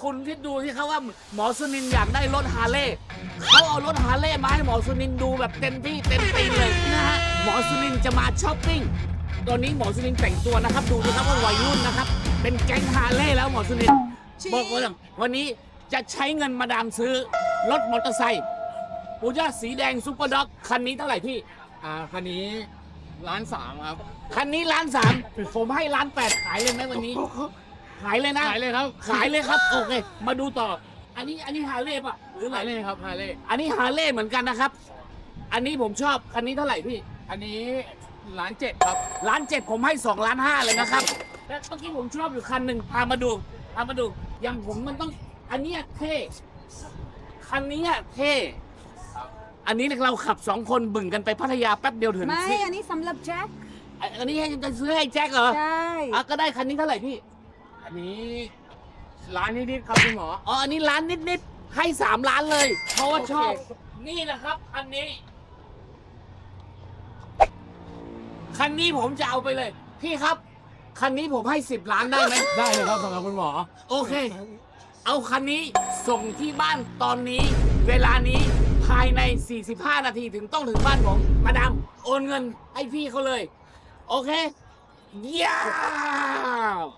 คุณคิดดูที่เขาว่าหมอสุนินท์อยากได้รถฮาร์เลย์เขาเอารถฮาร์เลย์มาให้หมอสุนินท์ดูแบบเต็มที่เต็มตีเลยนะฮะหมอสุนินท์จะมาช้อปปิ้งตอนนี้หมอสุนินท์แต่งตัวนะครับดูนะครับว่าวัยรุ่นนะครับเป็นแก๊งฮาร์เลย์แล้วหมอสุนินท์บอกว่าวันนี้จะใช้เงินมาดามซื้อรถมอเตอร์ไซค์ปูย่าสีแดงซุปเปอร์ด็อกคันนี้เท่าไหร่พี่คันนี้1,300,000ครับคันนี้1,300,000ผมให้1,800,000ขายเลยไหมวันนี้ ขายเลยนะขายเลยครับขายเลยครับโอเคมาดูต่อ อันนี้ฮาร์เลย์ป่ะหรืออะไรฮาร์เลย์ครับฮาร์เลย์อันนี้ฮาร์เลย์เหมือนกันนะครับ อันนี้ผมชอบคันนี้เท่าไหร่พี่อันนี้1,700,000ครับ 1,700,000ผมให้2,500,000เลยนะครับแล้วเมื่อกี้ผมชอบอยู่คันหนึ่งพามาดูอย่างผมมันต้องอันเนี้ยเท่คันนี้เท่อันนี้เราขับ2 คนบึ่งกันไปพัทยาแป๊บเดียวถึงไม่ อันนี้สำหรับแจ็คอันนี้จะซื้อให้แจ็คเหรอใช่ก็ได้คันนี้เท่าไหร่พี่อันนี้ร้านนิดๆครับคุณหมออ๋อ อันนี้ล้านนิดๆ ให้3 ล้านเลย เพราะว่าชอบโอเคนี่นะครับคันนี้ คันนี้ผมจะเอาไปเลย พี่ครับ คันนี้ผมให้10 ล้านได้ไหมได้เลยครับสำหรับคุณหมอโอเค เอาคันนี้ส่งที่บ้านตอนนี้ เวลานี้ภายใน 45 นาทีถึงต้องถึงบ้านผม มาดามโอนเงินให้พี่เขาเลย โอเค เย้